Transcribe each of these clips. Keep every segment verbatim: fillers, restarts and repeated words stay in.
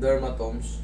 dermatomes,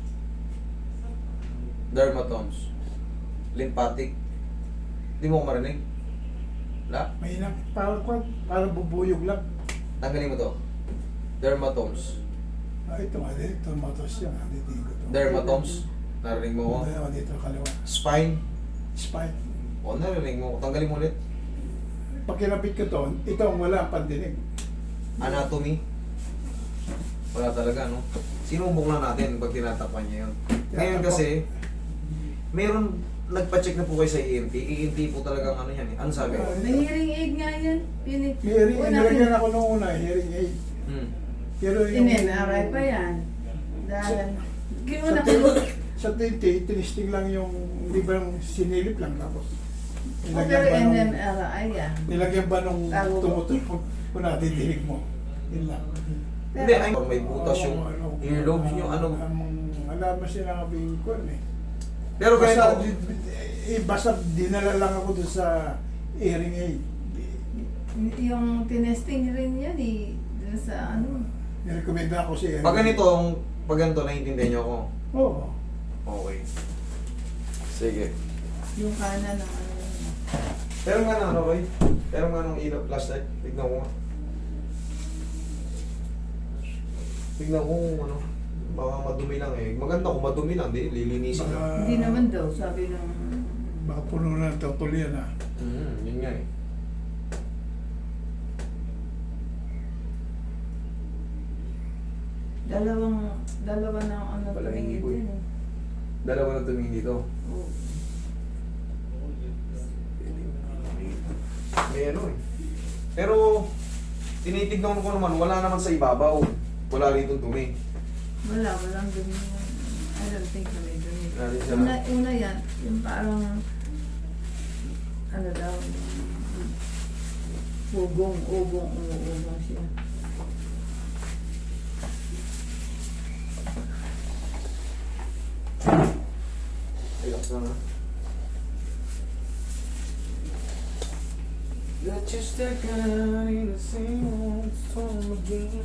dermatomes, lymphatic. Hindi mo ko marinig? Wala? May ilang, parang, parang, parang bubuyog lang. Tanggalin mo to. Dermatomes. Ah, ito nga, dito, matos yan. ah, Dito, dito. Dermatomes. Narinig mo ko? Dito, dito, kaliwa. Spine. Spine. O, narinig mo ko. Tanggalin mo ulit. Pag kinapit ko to, ito ang wala ang pandinig. Anatomy. Wala talaga, no? Sinubok lang natin pag tinatapan niya yun. Ngayon kasi, meron, nagpa-check na po kayo sa E N T. E N T po talagang ano yan eh. Ano sabi? May hearing aid nga yan. Pinit. Hearing, Una, nilagyan ako nung una, hearing aid. Hmm. Pero yung... In-M R I pa yan. Dahil, Sa, ginawa sa, ko. sa T T, tinisting lang yung, di ba yung sinilip lang tapos. Oh, pero nung- N M R I yan. Nilagyan ba nung Tago ko. tumutunog kung natitinig mo? Yun lang. Hindi, ay, may butas yung Oo, ano, earlobes, yung ano. ang- Alam mo sinabing ko eh. Pero Basta, ganito, di- eh, basta dinala lang ako doon sa hearing aid. Yung tinesting rin yan eh. Dun sa ano. Nirekomenda ako si hearing pag aid. ganito, pag ganito, naiintindihan niyo ako. Oo. Okay. Sige. Yung kanan ng ano. Pero nga na, ano, Roy? Pero nga nung ilaw, flashlight. Tignan ko nga. Tignan ko kung ano. Baka madumi lang eh. Maganda kung madumi lang, di, lilinisin lang. Baka, Hindi naman daw, sabi ng... baka puno na ng tutol yan ah. Hmm, yun nga eh. Dalawang, dalawa na ano Wala, hindi tumingin ko eh. din eh. Dalawa na tumingin dito. Oo. May ano eh. Pero, tinitignan ko naman, wala naman sa ibabaw. Wala rito dumi. Wala, walang dumi yan. I don't think na may dumi. Wala din siya. Una, una yan, yung parang, ano daw, ugong, ugong, ugong siya. Relax lang ha. That you stuck out in the same old storm again.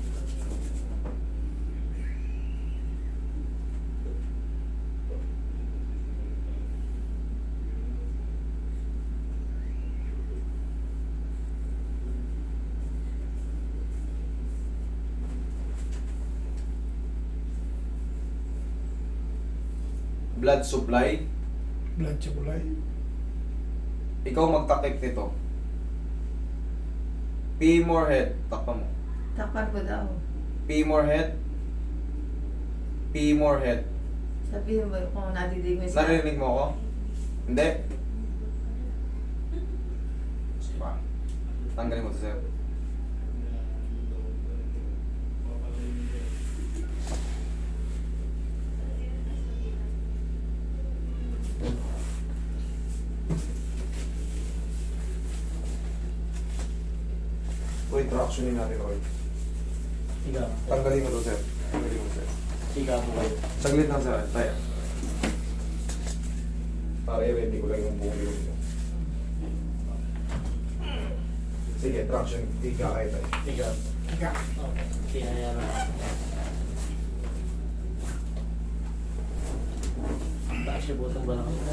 Blood supply. Blood supply. Ikaw magtakip nito. Femur head. Takpa mo. Takpan ko daw. Femur head. Femur head. Sabihin mo kung nadidig mo siya. Narinig mo ako? Hindi. Sige pa. Tanggalin mo to, sir. Uy, tractionin natin, Roy. Higa. Tanggalin mo to, sir. Tanggalin mo, sir. Higa po kayo. Saglit lang, sir. Tayo. Para i-ready ko lang yung buong ilong mo. Sige, traction. Higa kayo tayo. Higa. Higa. Kaya yan. Taas siya butong ba na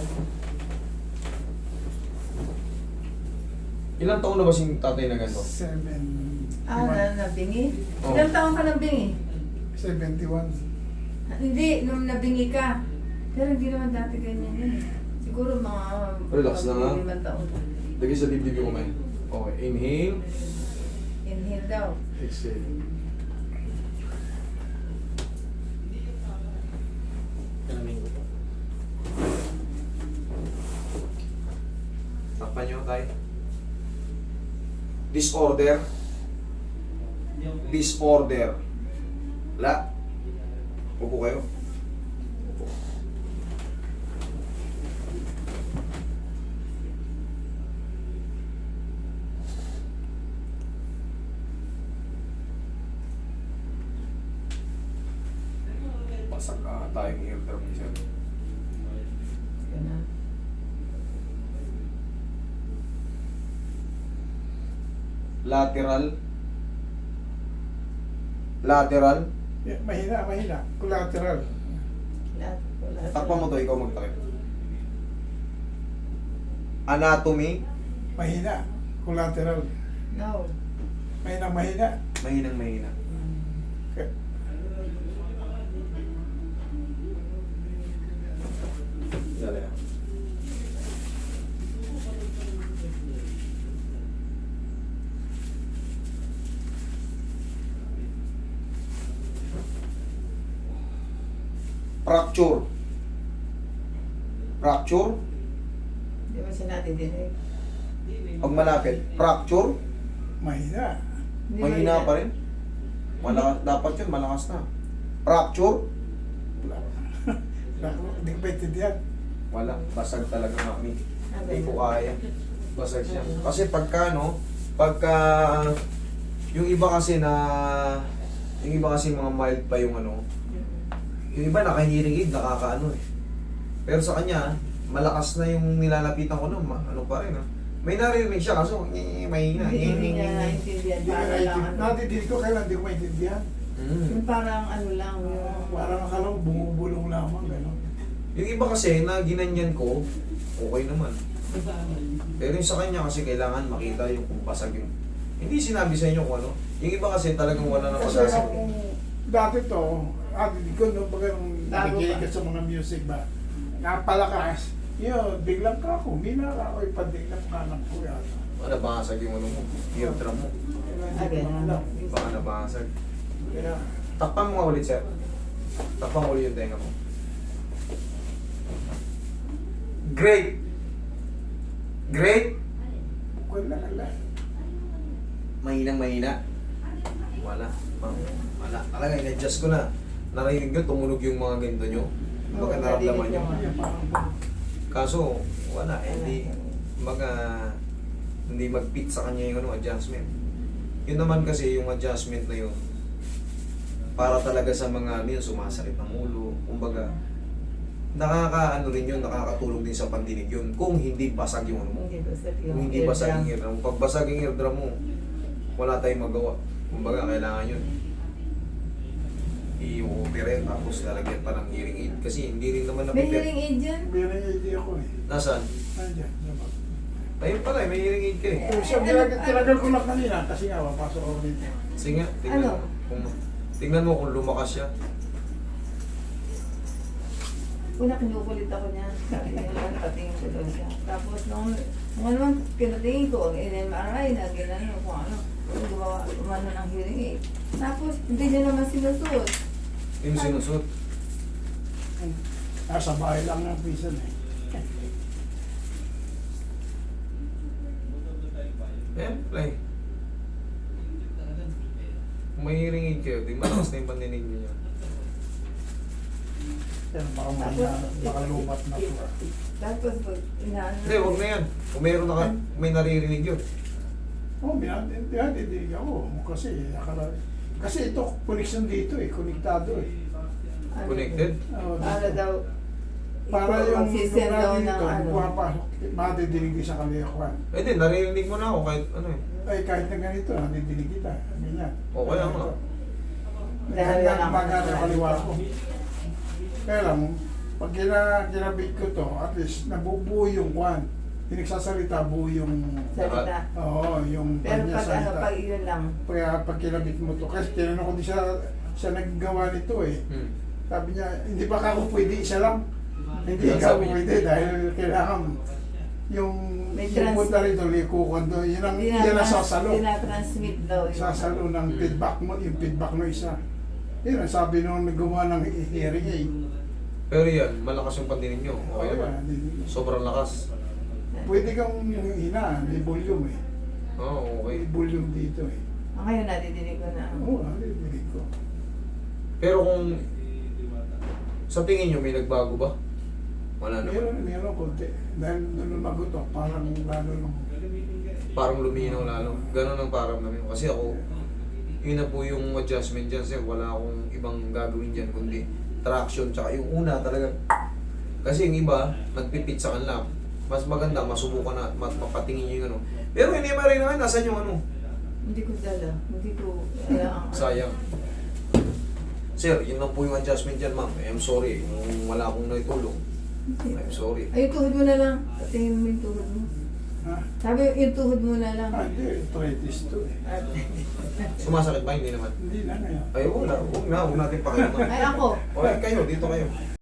Ilang taon na ba si tatay na ganito? Seven. Ah, na, nabingi? Oo. Ilang taon ka nabingi? seventy-one. Ah, hindi, nung nabingi ka. Pero hindi naman dati ganyan yun eh. Siguro mga... Relax lang, ha? limang taon. Lagi sa dibdib yung kumain. Okay, inhale. Inhale daw. Exhale. Kalamin ko po. Takpan nyo, tay. Disorder. Disorder. La. Upo kayo. Upo. Basag ka tayong eardrum ni sir. Ganun. Lateral. Lateral. Yeah, mahina, mahina. Collateral. Lahat, wala. Takpan mo to, ikaw magtakip. Anatomy, Mahina. Collateral. No. Mahina, mahina. mahinang mahina. Okay. Dali ah. Fracture. Fracture. Di ba siya natidinig? Pag malapit. Fracture. Mahina. Hindi Mahina ba- pa rin. Malakas, dapat yun, malakas na. Fracture. Wala. Wala. Hindi ko maintindihan. Wala. Basag talaga, mami. Sabi Hindi ko na. kaya. Basag siya. Kasi pagka, no, pagka, yung iba kasi na, yung iba kasi mga mild pa yung ano, yung iba naka-hearing aid, nakakaano eh. Pero sa kanya, malakas na yung nilalapitan ko no, ma- ano pa rin ah. May naririnig siya kaso, eh, mahina. Hindi hindi niya Eh, naintindihan. Hindi ko Para lang maintindihan. ano. Natidinig ko kailan hindi ko maintindihan. mm. Yung parang ano lang. Yung, Parang akala ko bumubulong lamang. Gano'n. Yung iba kasi na ginanyan ko, okay naman. Pero yung sa kanya kasi kailangan makita yung kung basag yung... Hindi sinabi sa inyo kung ano. Yung iba kasi talagang wala na Kasi masasag. kung dati to, natidinig ko nung baga nung Bago nakikinig pa. ka sa mga music ba, napalakas. Yun, biglang ka ako. Mina ka ako ipadiglang kanan ko yata. Baka nabasag yung ano mo, eardrum mo. Kaya Again, hindi ko alam. Baka nabasag. Kaya, Takpan mo nga ulit, sir. Takpan mo ulit yung tenga mo. Great! Great! wala, wala. Mahinang mahina. Wala. Ma'am, wala. Talaga, in-adjust ko na. Narinig nyo, tumunog yung mga ganito nyo. Baka Oo, naramdaman narinig nyo. ko. Kaya parang, Kaso, wala. eh, Hindi, mga, hindi mag-fit sa kanya yung ano, adjustment. Yun naman kasi, yung adjustment na yun, para talaga sa mga ano yun, sumasakit ng ulo. Kumbaga, nakaka, ano rin yun, nakakatulong din sa pandinig yun. Kung hindi basag yung ano mo. Hindi basag yung Kung hindi basag yung eardrum. eardrum mo. Pag basag yung eardrum mo, wala tayong magawa. Kumbaga, kailangan yun. I-operate tapos lalagyan pa ng hearing aid. Kasi hindi rin naman May napipit. hearing aid dyan? meron yung idea ko eh. Nasaan? Nandiyan. diba? Ayun pala, eh, may hearing aid ka eh. Yung siya, tinagal, tinagal ko lang kanina kasi nga, papasok ako dito. Sige nga, tingnan Ano? mo. Kung, tingnan mo kung lumakas siya. Una, kinukulit ako niya. Sabi niya naman, patingin ko daw siya. Tapos nung, nung ano naman, pinatingin ko, ang N M R I na, ginano, kung ano, kung gumawa, umano ng hearing aid. Tapos, hindi niya naman sinusuot. Yung sinusot. Nasa bahay lang ng prison eh. Ayan, play. Kung may hearing aid kayo, di malakas na yung pandinig niyo. Yan, baka mahina, baka lumat na po. ah. Tapos, pag inaano. Hindi, huwag na yan. Kung meron na ka, may naririnig yun. Oo, oh, binadidig ako. Kasi, akala, kasi ito, connection dito eh, konektado eh. ano, Connected? Oo, Para dito. daw, Para ikaw yung magsisend daw lugar ng dito, ano. pumapasok, madidinig din sa kaliyakuan. Eh di, naririnig mo na ako kahit ano eh. Ay, kahit na ganito, nadidinig kita. Ganyan. O, kaya nga. Dahil Dahil lang lang ako. magana kaliwa ko. Kaya lang, pag gina, ginabit ko to, at least nabubuo yung kwan. Hindi nagsasalita, buo yung... salita. Oo, yung Pero kanya pag ano, salita. pag yun lang. Kaya pag kinabit mo to, kasi tinanong ko din siya, siya naggawa nito eh. Hmm. Sabi niya, hindi ba ka ako pwede isa lang? Hindi Yan ka sabi niya. pwede dahil kailangan yung May trans- pupunta rito, likukan doon, yun ang yan ang sasalo. Dinatransmit daw yun. Sasalo ng Hmm. feedback mo, yung feedback mo isa. Yun ang sabi nung nagawa ng hearing aid. Pero yan, malakas yung pandinig nyo. Okay naman. yan, hindi- Sobrang lakas. Pwede kang hina, may volume eh. Oo, okay. May volume dito eh. Ah, ngayon nadidinig ko na. Oo, narinig ko. Pero kung sa tingin nyo may nagbago ba? Wala naman. Meron, meron konti. Dahil nung lumago to, parang lalo nung... Parang luminaw lalo. Ganon ang parang namin. Kasi ako, yun na po yung adjustment dyan sir. Wala akong ibang gagawin dyan kundi traction. Tsaka yung una talaga. Kasi yung iba, nagpipit sa kanila. Mas maganda, masubukan na, mat mapatingin nyo yung ano. Pero hindi ma rin naman, nasan yung ano? Hindi ko dala. Hindi ko, alam. Sayang. Sir, yun lang po yung adjustment dyan, ma'am. I'm sorry. Kung wala akong naitulong, I'm sorry. Ay, yung tuhod mo na lang. Patingin mo yung tuhod mo. Ha? Sabi, yung tuhod mo na lang. Ah, hindi. Arthritis to eh. At, Sumasakit ba? Hindi naman. Hindi na ngayon. Ay, wala. Huwag na. Huwag natin pakialaman. ay, ako. O, eh, kayo. Dito kayo.